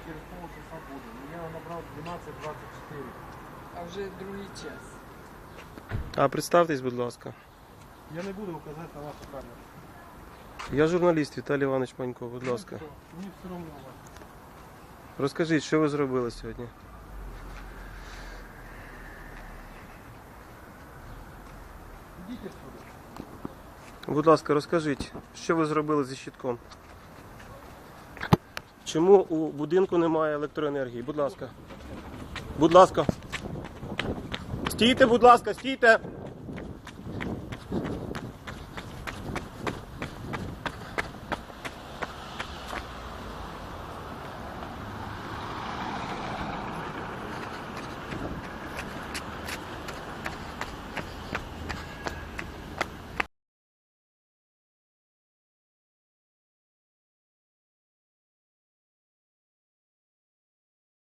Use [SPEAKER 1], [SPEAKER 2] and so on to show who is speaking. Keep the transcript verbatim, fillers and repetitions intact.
[SPEAKER 1] через полчаса буду. Я набрал двенадцать двадцать четыре.
[SPEAKER 2] А вже другий час.
[SPEAKER 3] А представтесь, будь ласка.
[SPEAKER 1] Я не буду указати на вашу камеру.
[SPEAKER 3] Я журналіст Віталій Іванович Манько, будь ласка.
[SPEAKER 1] Ну, мені все одно у вас.
[SPEAKER 3] Розкажіть, що ви зробили сьогодні?
[SPEAKER 1] Ідіть сюди.
[SPEAKER 3] Будь ласка, розкажіть, що ви зробили зі щитком? Чому у будинку немає електроенергії? Будь ласка. Будь ласка. Стійте, будь ласка, стійте.